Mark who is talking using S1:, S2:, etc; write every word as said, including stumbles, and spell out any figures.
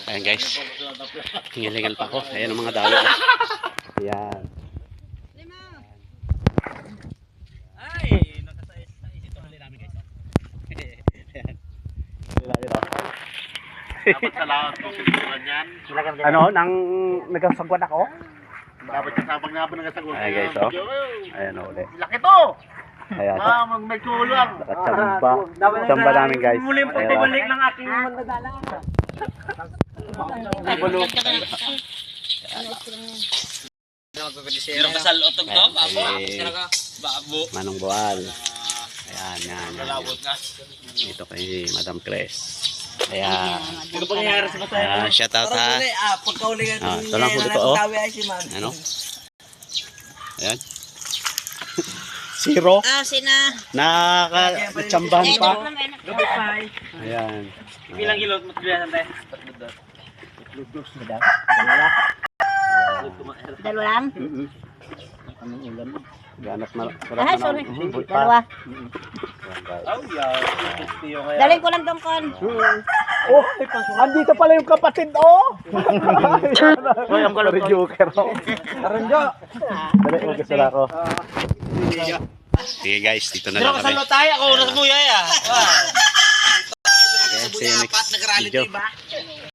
S1: Ayan guys. Hingal-hingal pa ako. Ayan ang mga dalo. Ayan.
S2: Ay, nakasais sa isip hali namin guys.
S1: Ayan. Ayan.
S3: Dapat sa lahat kung sinusulan yan.
S1: Ano, nang nagsagwan ako?
S3: Dapat kasabag nga ba nagasagot.
S1: Ayan guys, oh. Ayan o ulit.
S3: Laki to!
S1: Ayan.
S3: Ah, mag may kulang.
S1: Nakachamba. Chamba namin guys.
S2: Muli po
S1: Ayan.
S2: pagbalik ng aking mandadala.
S1: Bulok.
S2: Pero kasal otog to, babo.
S1: Eh,
S2: Babo.
S1: Manong Buwal. Ayan, yan.
S2: Malawot nga.
S1: Dito kay Madam Cres. Ayan.
S2: Ano pangyayari sa masaya?
S1: Ayan, shout out ha.
S2: Ah, pagkaulingan
S1: Ah, ito lang huli ko, oh.
S2: ay si man.
S1: Ano? Ayan. Zero.
S4: Ah, sina.
S1: Nakakachambahan pa.
S2: Gabit pa ay.
S1: Ayan.
S2: Bilang kilo matbiyasan tayo.
S4: Dalawa lang.
S1: Anong ulam? Ganap na.
S4: Ah, sorry. Dalawa.
S2: Oh, yeah.
S4: Daling ko lang tong kon.
S1: Oh, andito pala yung kapatid, oh! Hoy, ang kalong joker, oh. Aranjo! Dali, mag-isal ako. Sige guys, dito na
S2: Pero
S1: lang
S2: kasal
S1: kami.
S2: na tayo, ako na sa buya ya.
S1: Okay, see you next video.